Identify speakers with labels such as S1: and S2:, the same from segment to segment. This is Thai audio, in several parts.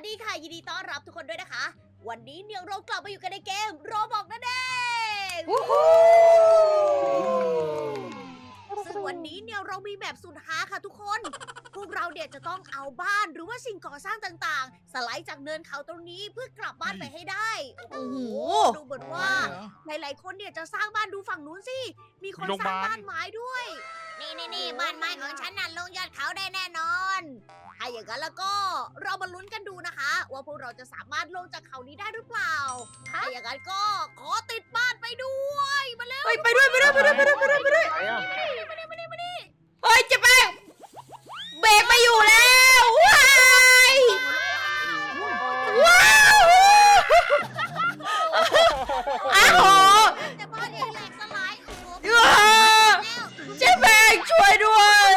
S1: ดีค่ะยินดีต้อนรับทุกคนด้วยนะคะ วันนี้เนี่ยเรากลับมาอยู่กันในเกมโรบอกนั่นเองซึ่งวันนี้เนี่ยเรามีแบบสุดฮาค่ะทุกคน พวกเราเนี่ยจะต้องเอาบ้านหรือว่าสิ่งก่อสร้างต่างๆ สไลด์จากเนินเขาตรงนี้เพื่อกลับบ้านไปให้ได้โอ้โหดูเหมือนว่าหลายๆคนเนี่ยจะสร้างบ้านดูฝั่งนู้นสิมีคนสร้างบ้านไม้ด้วย นี่บ้านไม้ของฉันน่ะลงยอดเขาได้แน่นอนถ้าอย่างนั้นแล้วก็เรามาลุ้นกันดูนะคะ ว่าพวกเราจะสามารถลงจากเขานี้ได้หรือเปล่าถ้าอย่างนั้นก็ขอติดบ้านไปด้วยมาเร็ว
S2: ไปด้วยเฮ้ยเจะแป้งเบรกไม่อยู่แล้วว้าวอ้าว
S1: แต่บ้านใหญ่แหลกสลาย
S2: เจ๊แป้งช่วยด้วย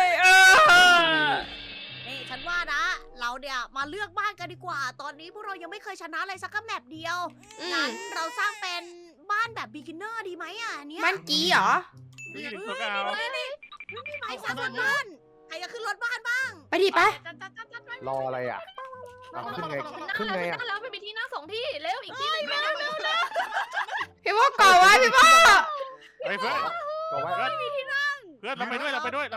S1: นี่ฉันว่านะเราเนี่ยมาเลือกบ้านกันดีกว่าตอนนี้พวกเรายังไม่เคยชนะเลยสักแมปเดียวงั้นเราสร้างเป็นบ้านแบบ beginner ดีไหมอ่ะเนี่ย
S2: บ้านกี้เหรอ
S1: นี่ไม้สร้างบ้านใครจะขึ้นรถบ้านบ้าง
S2: ไปดิไป
S3: รออะไรอ่ะขึ้นไงอ่ะ
S4: แล้วไปที่นั่ง2ที่เร็วอีกที่นึงเร็ว
S2: พี่พ่อก่อไว้พี่พ่อ
S5: เฮ้ยเพื่อน
S3: ก็ไว้
S1: ไม่มีที่นั่ง
S5: เพื่อนเราไปด้วยไปด้วย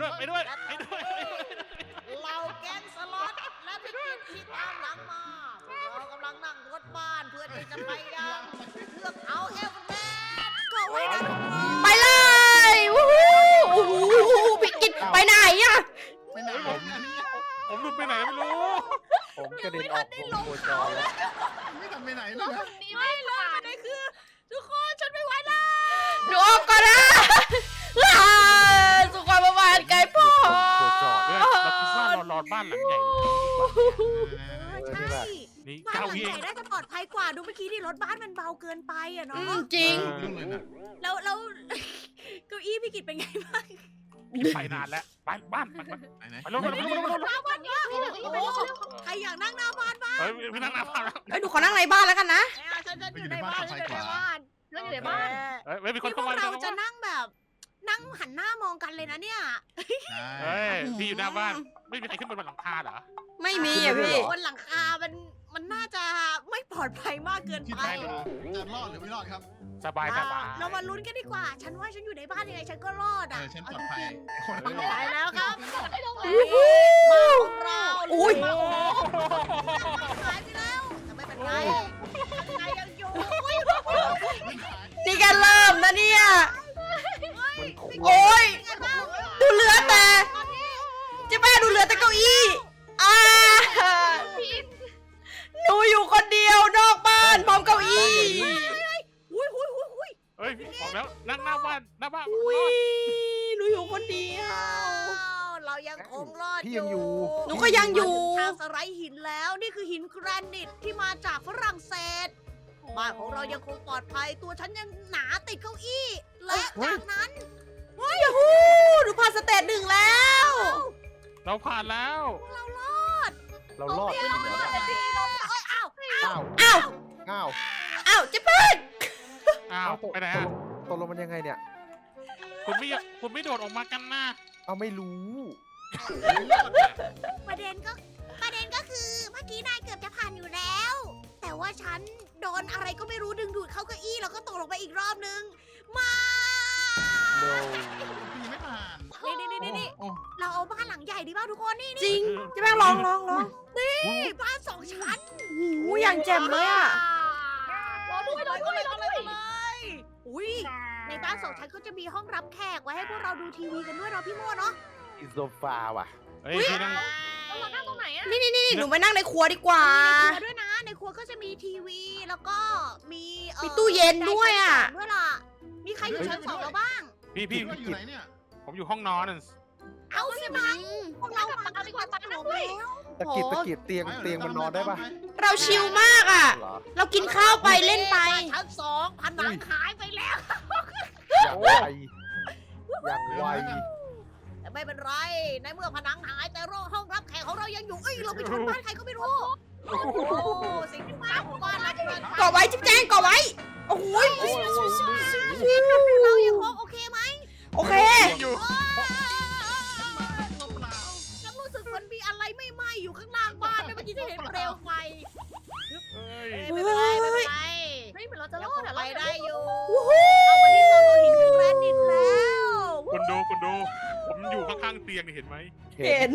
S1: เราแก๊งสล็อตและพี่กิตที่ตามหลังมาเรากำลังนั่งรถบ้านเพื่อที่จะไปยังเทือกเขาเอเวอเรสต์ก็ไว้นะ
S2: ไปเลยวู้ฮู้พี่กิตไปไหนอ่ะ
S5: ผมหลุดไปไหนไม่รู้
S3: ผมกระเด็นออกวงโคจรแล้ว
S4: ไม่ทำไปไหนเลย
S1: นี่ไม่เลยประเด็นคือทุกคนฉันไม่ไหวแล้ว
S2: หนูออกก่อนนะสุขภาพบ้านไกลพ่อ
S5: เราคิดว่าเรารอบ้านหลังใหญ่
S1: ใช่
S5: นี่
S1: บ้านหลังใหญ่น่าจะปลอดภัยกว่าดูเมื่อกี้ที่รถบ้านมันเบาเกินไปอะเนาะ
S2: จริง
S1: แล้วเก้าอี้พี่กิตเป็นไงบ้าง
S5: ไปนานแล้วบ้านไปลง
S1: ใครอยากนั่งหน้าบ้านบ้าง
S5: พี่นั่งหน้าบ้านแล้ว
S2: ดูขอนั่งในบ้านแล้วกันนะ
S1: ฉันอยู่ในบ้าน
S4: แล้วอยู่ในบ้าน
S5: มีคนเข้ามา
S1: เราจะนั่งแบบนั่งหันหน้ามองกันเลยนะเนี่ย
S5: พี่อยู่หน้าบ้านไม่มีใครขึ้นบนหลังคาเหรอ
S2: ไม่มีอ่ะพี่
S1: บนหลังคามันน่าจะไม่ปลอดภัยมากเกินไป
S4: จะรอดหรือไม่รอดครับ
S5: สบาย
S1: เรามาลุ้นกันดีกว่าฉันว่าฉันอยู่ในบ้านยังไงฉันก็รอดอ่ะ
S4: ฉันปลอดภัย
S1: ไปแล้วครับเรา
S2: อุ้ย
S1: หายไปแล้วแต่ไม่เป็นไรยังอยู่
S2: นี่กันเริ่มนะเนี่ยโอ้ยดูเหลือแต่เจ๊แม่ดูเหลือแต่เก้าอี้หนูอยู่คนเดียวนอกบ้านพร้อมเก้าอี้
S5: เฮ้ยบอกแล้วนั่งหน้าบ้านห
S2: นูอยู่คนเดียว
S1: เรายังคงรอด
S3: อยู่
S2: หนูก็ยังอยู่
S1: ทางสไลด์หินแล้วนี่คือหินแกรนิตที่มาจากฝรั่งเศสบ้านของเรายังคงปลอดภัยตัวฉันยังหนาติดเก้าอี้และจากนั้น
S2: หนูผ่านสเตจ1แล้ว
S5: เราผ่านแล้ว
S1: เรารอด
S3: จริงเหรอ
S2: อ้าวเจ๊เปิ้ล
S5: ไปไหนอ่ะ
S3: ตกลงมันยังไงเนี่ย
S5: คุณไม่โดดออกมากันนะ
S3: เอาไม่รู้
S1: ประเด็นก็คือเมื่อกี้นายเกือบจะผ่านอยู่แล้วแต่ว่าฉันโดนอะไรก็ไม่รู้ดึงดูดเข้าเก้าอี้แล้วก็ตกลงไปอีกรอบนึงมา
S4: ไม่ผ่าน
S1: นี่เราเอาบ้านหลังใหญ่ดีป่ะทุกคนนี่
S2: จริงจะแม่งลอง
S1: นี่บ้าน2 ชั้น
S2: อย่างแจ่มเลยอ่ะ
S1: รอด้วยอุ้ยในบ้าน2 ชั้นก็จะมีห้องรับแขกไว้ให้พวกเราดูทีวีกันด้วยเนาะพี่โม่เนาะ
S3: อิโซฟาว่ะ
S5: พี่นั่ง
S4: เรานั่งตรงไหนอ่ะ
S2: นี่หนูไปนั่งในครัวดีกว่า
S1: ในครัวด้วยนะในครัวก็จะมีทีวีแล้วก็มี
S2: ตู้เย็นด้วยอ่ะ
S1: ด้วยล่ะมีใครอยู่ชั้น2แล้วบ้าง
S5: พี่
S4: อยู่ไหนเนี่ย
S5: ผมอยู่ห้องนอน
S1: เอาสิมังพวกเรามาดีกว่าตั้งด้วย
S3: ตะกิดเตียงมันนอนได้ปะ
S2: เราชิลมากอ่ะเรากินข้าวไปเล่นไป
S1: ชั้น2ผนังหายไปแล้ว
S3: อย่างไว
S1: แต่ไม่เป็นไรในเมื่อผนังหายแต่ห้องรับแขกของเรายังอยู่เราไปชนบ้านใครก็ไม่รู้สิ่งที่มาของบ้านเรา
S2: ก่อไว้จิ๊บแจ้งก่อไว้โอ้โห
S1: เรายังคงโอเคไหม
S2: โอเค
S1: ฉันรู้สึกมันมีอะไรไม่ไหม้อยู่ข้างล่างบ้านเมื่อกี้ที่เห็นเปลวลวไฟ
S5: เฮ้ย
S1: ไม่เป็นไรไม่เป็นไร
S4: เฮ้ยเหมือนเราจะร
S1: ยัง
S4: อ
S1: ค
S4: ด
S1: ง
S4: อะ
S1: ไป
S4: เรา
S1: ได้อยู่เข้ามาที่โซนโลหินถึงแรดดินแล้ว
S5: คุณดู ผมอยู่ข้างๆเตียงนี่เห็นไหม
S2: เห็น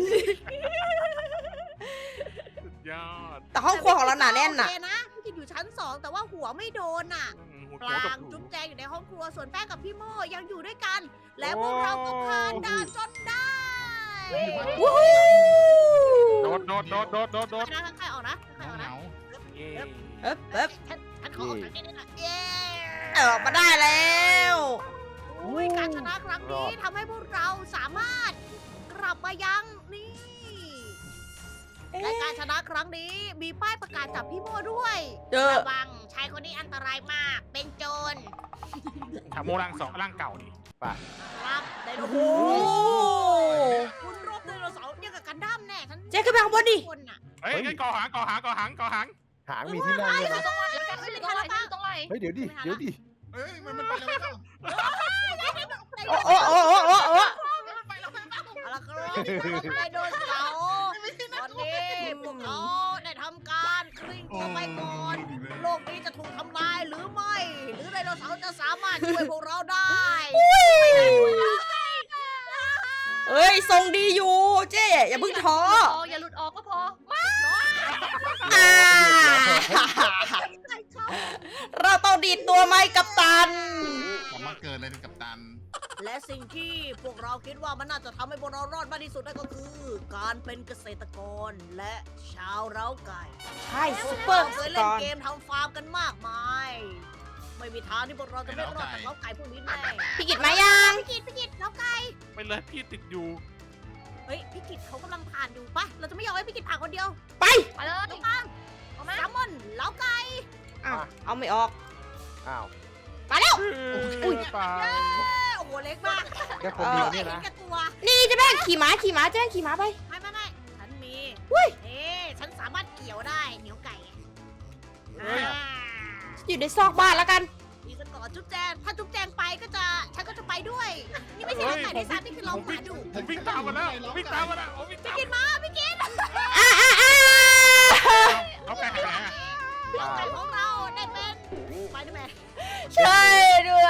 S5: สุดยอด
S2: แต่ห้องครัวของเราหนาแน่นน่ะ
S1: โอเคนะพี่กินอยู่ชั้น 2 แต่ว่าหัวไม่โดนอ่ะ
S5: หัว
S1: ปลา
S5: กับ
S1: ง
S5: หู
S1: จุ๊บแจงอยู่ในห้องครัวส่วนแป้งกับพี่โมยังอยู่ด้วยกัน และพวกเราก็ผ่านด่านจนได้
S2: วู้ฮู้
S5: โดด
S1: นะใครออกนะใครออก
S4: เห
S1: นะ
S4: งา
S5: เย้
S2: เอ๊บเอ๊บ
S1: ฉันขอออกจากที่นี่นะเย้
S2: ออกมาได้แล้ว
S1: อุ้ยการชนะครั้งนี้ทำให้พวกเราสามารถกลับมายังนี่ และการชนะครั้งนี้มีป้ายประกาศจับพี่โมด้วย
S2: เจอ
S1: ระวังชายคนนี้อันตรายมาก เป็นโจร
S5: ถามโมร่างสองร่างเก่านี่
S1: ครับไดโน
S2: โอ้
S1: เสา
S2: โห
S1: ร์คุณรบไดโนเสาร์เนี่ยกับกันดั้มแน่ฉัน
S2: เจ๊ขึ้นไปข้างบนดิ
S1: คนน่ะ
S5: เฮ้ยงั้นก่อหาง
S3: หางมีที่นั่งด้วยนะ
S4: ตรงไหนแล้วกันไม่ตรงไหนตรงไหน
S3: เฮ้ยเดี๋ยวดิ
S4: เฮ้ยมันไปแล้ว
S2: โอ้โอ้โอ้โอ้โอ้โอ้
S4: มันไปแล้ว
S1: เอาละครับไดโนเสาร์ตอนนี้พวกเขาได้ทำการคลิ่งตัวไปก่อน โลกนี้จะถูกทำลายหรือไม่ หรือไดโนเสาร์จะสามารถช่วยพวกเราได้
S2: เอ้ยทรงดีอยู่เจ๊อย่าเพิ่งท้อ
S4: อย่าหลุดออกก็พอ
S2: อ่าเราต้องดีดตัวไหมกัปตัน
S4: ผมมาเกิดเลยกับตัน
S1: และสิ่งที่พวกเราคิดว่ามันน่าจะทำให้พวกเรารอดมากที่สุดนั่นก็คือ การเป็นเกษตรกรและชาวเร้าไก่
S2: ใช่ซุปเปอร์
S1: เคย
S2: ก่
S1: เล่น
S2: อน
S1: เกมทำฟาร์มกันมากมาย ไม่มีทางที่พวกเราจะไม่รอดจากเล้าไก่พวกนี้แน่
S2: พี่กิตมายัง
S1: พี่กิตเล้าไก่
S5: ไปเลยพี่ติดอยู่
S1: เฮ้ยพี่กิตเขากำลังผ่านอยู่ปะเราจะไม่ยอมให้พี่กิตผ่านคนเดียว
S2: ไป
S4: ไปเลย
S1: น้องปัง
S4: เอามา
S1: แซลมอนเล้าไก่
S2: อ้าวเอาไม่ออก
S3: อ้าว
S2: มาแล้ว
S5: อุ้ยตาย
S1: โอ้โหเล็กมาก
S3: แค่คนเดียวเนี่ย
S1: เห็น
S3: นะ
S1: แก่ตัว
S2: นี่เจะแม่งขี่ม้าเจ๊ขี่ม้าไป
S1: ไม่ฉันมี
S2: อุ้ย
S1: เอ๊ะฉันสามารถเกี่ยวได้เหนียวไก่
S5: เฮ้ย
S2: อยู่ในซอกบ้านแล้วกัน
S1: นี่ฉันก่อนจุ๊บแจงถ้าจุ๊บแจงไปก็จะฉันก็จะไปด้วย นี่ไม่ใช่เล้าไก่ในซ้ำนี่คือเราผ่านอยู่
S5: ผมวิ่งตามมาแล้วผมวิ่งตามมาแล้วผมวิ่งตาม
S1: กินมาพี่กิน
S5: เอาไก่หาย
S1: เล้าไก่ของเราได้เป็นไปได้ไหม
S2: ใช่ด้วย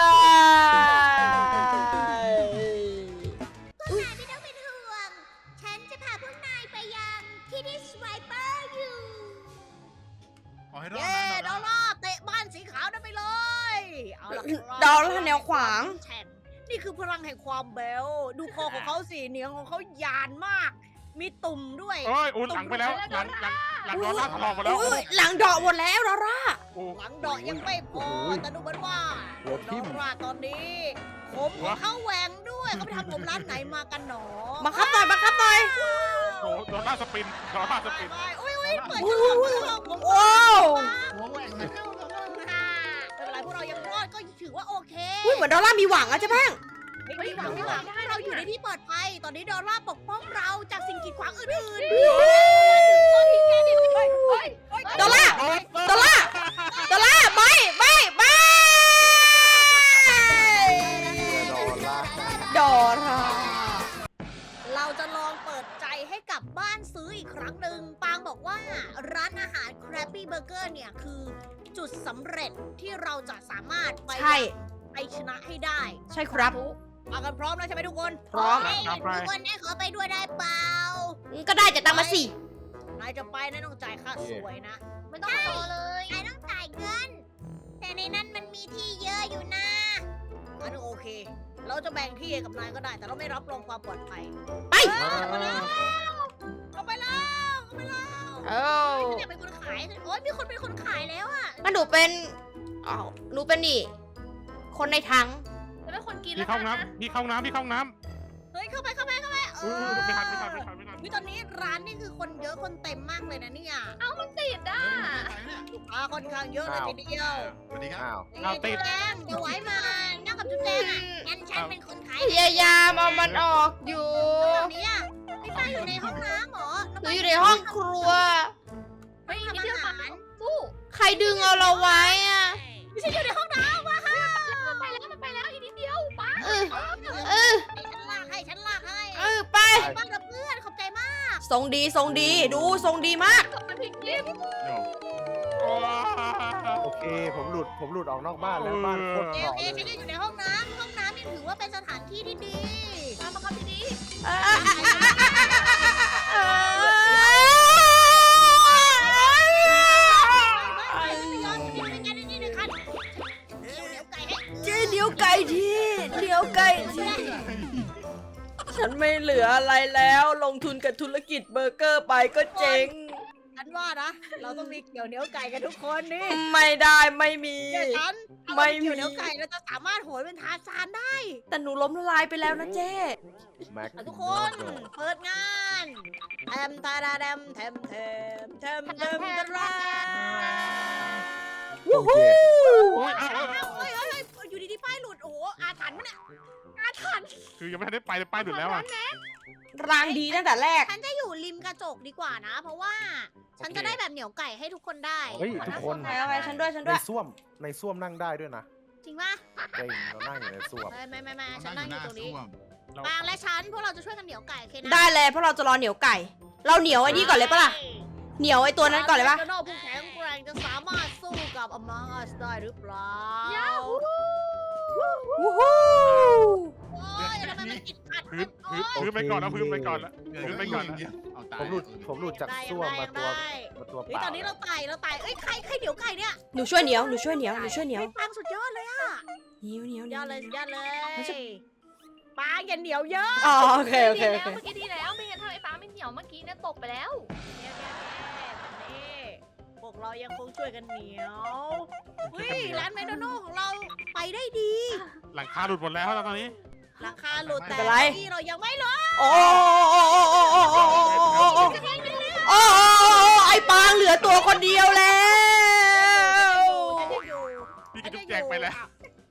S1: พวกนายไม่ต้องเป็นห่วง ฉันจะพาพวกนายไปยังที่ที่สไวเปอร์อยู่
S4: ขอให้รอด
S1: เย้
S4: นะ
S1: ดอลลาร์เตะบ้านสีขาวนั่นไปเลย เอาล่ะครับ
S2: ดอลลาร์แนวขวาง
S1: แฉ่งนี่คือพลังแห่งความเบล ดูคอของเขาสิเหนียงของเขายานมาก มีตุ่มด้วย
S5: โอ้ยอุ่นหลังไปแล้วหลังโดนลากถลอกมาแล้ว
S2: อุ้ยหลังดอกหมดแล้วดอลลาร์
S5: โอ้
S1: หลังดอกยังไม่พอ แต่ดูเหมือนว่า
S3: หัวทิ่ม
S1: ดอลลาร์ตอนนี้ ผมของเขาแหวงด้วยเขาไปทำผมร้านไหนมากันหนอ
S2: บังคับหน่อย
S5: โหโดนลากสปิน
S1: ไม่อุ้ยเปิด
S2: อุ้
S1: ช่
S2: ย
S1: องผม
S2: ว้าว
S4: หัวแหว่งเลย
S1: ไม่เป็นไรพวกเรายังรอดก็ถือว่าโอเค
S2: อุ้ยเหมือนดอลลาร์มีหวังอะเจ๊แป้ง
S1: ไม่หวังเราอยู่ในที่ปลอดภัย ตอนนี้ดอลลาร์ปกป้องเราจากสิ่งกีดขวางอื่นๆ
S2: ดอลลาร์ดอลลาร์ดอลลาร์ไม่
S3: ดอลลาร์
S2: ดอลลาร์
S1: เราจะลองเปิดใจให้กับบ้านซื้ออีกครั้งหนึ่งปางบอกว่าร้านอาหาร Krabby Burger เนี่ยคือจุดสำเร็จที่เราจะสามารถไป
S2: ใช่
S1: ไปชนะให้ได้
S2: ใช่ครับ
S1: มากันพร้อมแล้วใช่ไหมทุกคน
S2: พร้อม
S1: ให้ทุกคนได้ขอไปด้วยได้เปล่า
S2: ก็ได้จะตังมาสิ
S1: นายจะไปนายต้องจ่ายค่าสวยนะ
S4: ไม่ต้องรอเลย
S1: นายต้องจ่ายเงิน แต่ในนั้นมันมีที่เยอะอยู่นะงั้นโอเค เราจะแบ่งที่ให้กับนายก็ได้ แต่เราไม่รับรองความปลอดภัย
S2: ไป
S1: เอาไปแล้วเอาไปแล้ว
S2: เอ้า
S1: ไม่อยากเป็นคนขายโอ๊ยมีคนเป็นคนขายแล้วอะ
S2: งั้นหนูเป็นอ้าวหนูเป็นนี่ คนในถัง
S4: จะเป็นคนกิน
S5: พี่
S4: แล้ว
S5: เข้า
S4: กัน
S5: น้
S4: นะ
S5: ำพี่เข้าน้ำ
S1: เฮ้ยเข้าไปเอ
S5: ไม่ทัน
S1: วิตอนนี้ร้านนี่คือคนเยอะคนเต็มมากเลยนะเนี่ย
S4: เอ้ามันติดอ่ะ
S1: ลูกค้าค่อนข้างเยอะเลยทีเดียว
S4: สวัสดีครับ
S3: อ้าว
S5: เอาติด
S1: จุ๊บแจงเดี๋ยวไว้มานั่งกับจุ๊บแจงอะงั้นฉันเป็นคนขาย
S2: พยายามเอามันออกอยู่
S1: แบบนี้อะพี่ป้าอยู่ในห้องน้ำเหรอ
S2: หนูอยู่ในห้องครัว
S4: เฮ้ยนิดเดียวปังสู้
S2: ใครดึงเอาเราไว้อะ
S1: ไม่ใช่อยู่ในห้องน้ำวะ
S4: มันไปแล้วอีกนิดเดียวปัง
S2: เออ
S1: ฉันลากให้
S2: ไป
S1: บ้านกับเพื่อนขอบใจมาก
S2: สทรงดีทรงดีดูทรงดีมาก
S4: มันพลิกลิฟต์
S3: โอเค ผมหลุดออกนอกบ้านแล้วบ้านโคตร
S1: โอ
S3: เห
S1: เค
S3: มาะ
S1: ฉัน
S3: เลย
S1: ยังอยู่ในห้องน้ำนี่ถือว่าเป็นสถานที่ที่ดีตามมาครับที่ดี ไม่ยอมจะมีเป็นแกนี่หนึ่งคันเดี๋ยวไก่ให้
S2: เจ๊เดี๋ยวไก่ทีเดี๋ยวไก่ทีฉันไม่เหลืออะไรแล้วลงทุนกับธุรกิจเบอร์เกอร์ไปก็เจ๊ง
S1: ฉันว่านะ เราต้องมีเกี่ยวเหนียวไก่กันทุกคนนี่
S2: ไม่ได้ไม่มี
S1: เดี๋ยวฉัน
S2: ไม่มี
S1: เกี่ยวเหนียวไก่เราจะสามารถโหยเป็นทาร์ซานได้
S2: แต่หนูล้มละลายไปแล้วนะเจ๊
S3: แม็ก
S1: ทุกคนเปิดงานแทมทาราแดมแทมแทมแทมแทมทารา
S3: โอเค
S5: โอ้ย
S1: เฮ้ยอยู่ดีๆป้ายหลุดโอ้โหอาถรรพ์มันเนี่ยอาถรรพ์
S5: คือยังไม่ทันได้ไปเลยป้ายหลุดแล้วอ่ะ
S2: รางดีตั้งแต่แรก
S1: ฉันจะอยู่ริมกระจกดีกว่านะ เพราะว่าฉันจะได้แบบเหนียวไก่ให้ทุกคนได้
S3: เฮ้ยทุกคน
S2: ไปเอาไปฉันด้วยฉัน
S3: ใน
S2: ด้วย
S3: ส้วมนั่งได้ด้วยนะ
S1: จริงป่ะ
S3: จริงเรานั่งอยู่ในส้วม
S1: ไม่ฉันนั่งอยู่ตรงนี้ปางและฉันพวกเราจะช่วยกันเหนียวไก่โอเคนะ
S2: ได้เลยเพราะเราจะรอเหนียวไก่ เราเหนียวไอ้นี่ก่อนเลยปะล่ะเหนียวไอ้ตัวนั้นก่อนเลยปะ
S1: โนผู้แข็งแกร่งจะสามารถสู้กับ Among Us ได้หรือเปล่า
S2: วู้ฮู้
S1: โอ้ยทำไมมันติดขัด
S5: พื้นไปก่อนนะพื้นไปก่อนละ พื้นไปก่อนนะ
S3: ผมหลุดจากส้วมมาตัวเป
S1: เฮ้ย
S3: ล่า
S1: ตอนนี้เราไต่เอ้ยใครเหนียวไก่เนี่ย
S2: หนูช่วยเหนียวหนูช่วยเหนียวหนูช่วยเหนียว
S1: เฮ้ยปางสุดยอดเลยอะ
S2: เหนียวเหนียวเหนี
S1: ย
S2: ย
S1: อ
S2: ว
S1: ดเลย
S2: เหนี
S1: ย
S2: ยว
S1: อดเลยปางอย่าเหนียวเยอะ
S2: อ๋อโอเคโอเค
S4: ดี
S2: โอ
S4: แล้ว
S2: เค
S4: เมื่อกี้ดีแล้วไม่งั้นถ้าไอ้ฟ้าไม่เหนียวเมื่อกี้เนี่ยตกไปแล้ว
S1: นี่พวกเรายังคงช่วยกันเหนียวเฮ้ยร้านแมคโดนัลด์ของเราไปได้ดี
S5: หลังคาหลุดหมดแล้วตอนนี้
S1: ราคาหลุดแต่ที่เรายังไม่ลด
S2: โอ้โอ้ไอ้ปางเหลือตัวคนเดียวแล้ว
S5: พี่กระจุกแจกไปแล้ว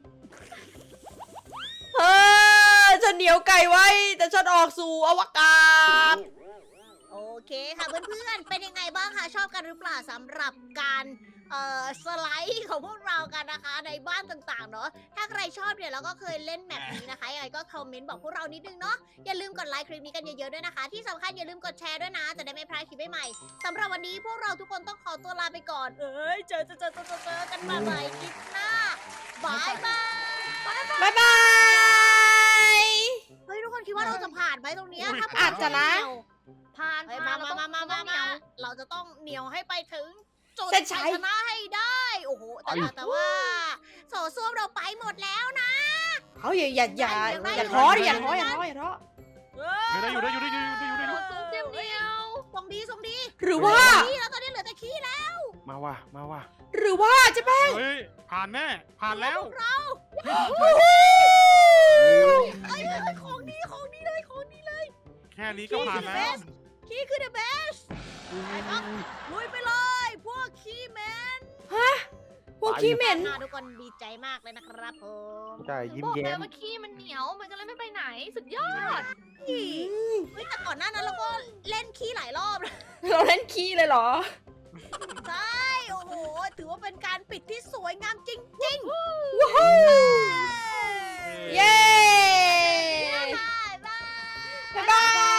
S2: เอฉันเหนียวไก่ไว้แต่ฉันออกสู่อวกาศ
S1: โอเคค่ะเพื่อนๆเป็นยังไงบ้างคะชอบกันหรือเปล่าสำหรับการสไลด์ของพวกเรากันนะคะในบ้านต่างๆเนาะถ้าใครชอบเนี่ยเราก็เคยเล่นแมปนี้นะคะยังไงก็คอมเมนต์บอกพวกเรานิดนึงเนาะอย่าลืมกดไลค์คลิปนี้กันเยอะๆด้วยนะคะที่สำคัญอย่าลืมกดแชร์ด้วยนะจะได้ไม่พลาดคลิปใหม่ๆสำหรับวันนี้พวกเราทุกคนต้องขอตัวลาไปก่อนเจอกันมาใหม่คลิปหน้าบายบาย
S2: บ๊ายบาย
S1: เฮ้ยทุกคนคิดว่าเราจะผ่านไหมตรงเนี้ยถ้า
S2: อาจจะนะ
S4: ผ่าน
S1: เฮ้ย
S4: ผ่าน
S1: มาเราจะต้องเหนียวให้ไปถึงจุด
S2: เส้นชั
S1: ชั
S2: ย
S1: ยชนะให้ได้โอ้โหแต่ว่าโสส้วมเราไปหมดแล้วนะ
S2: เขาอย่าท้ออย่าท้อ
S5: ได้อยู่
S4: ซูมเต็มเดียว
S1: ส่งดี
S2: หรือว่า
S1: ขี้แล้วตอนนี้เหลือแต่ขี้แล้ว
S3: มาว่ะ
S2: หรือว่าจะแป้ง
S5: เฮ้ยผ่านแน่ผ่านแล้ว
S1: เอ้ยของดีเลย
S5: แค่นี้ก็ผ่านแล้ว
S1: ขี้คือ the best ไปครับลุยไปเลยพวกขี้แมน
S2: พวกขี้เหม็น
S1: ทุกคนดีใจมากเลยนะครับผม
S3: ใช่ยิ้ม
S4: บอก
S3: แย้
S4: แล้ว
S3: ม
S4: ว่าขี้มันเหนียวมันก็เลยไม่ไปไหนสุดยอด
S1: เฮ้ยแต่ก่อนหน้านั้นเราก็เล่นขี้หลายรอบนะ
S2: เราเล่นขี้เลยเหรอ
S1: ใช่ โอ้โห ถือว่าเป็นการปิดที่สวยงามจริง
S2: วู้ฮู้
S1: ๆ
S2: เย้
S1: บ๊ายบาย
S2: บ๊ายบาย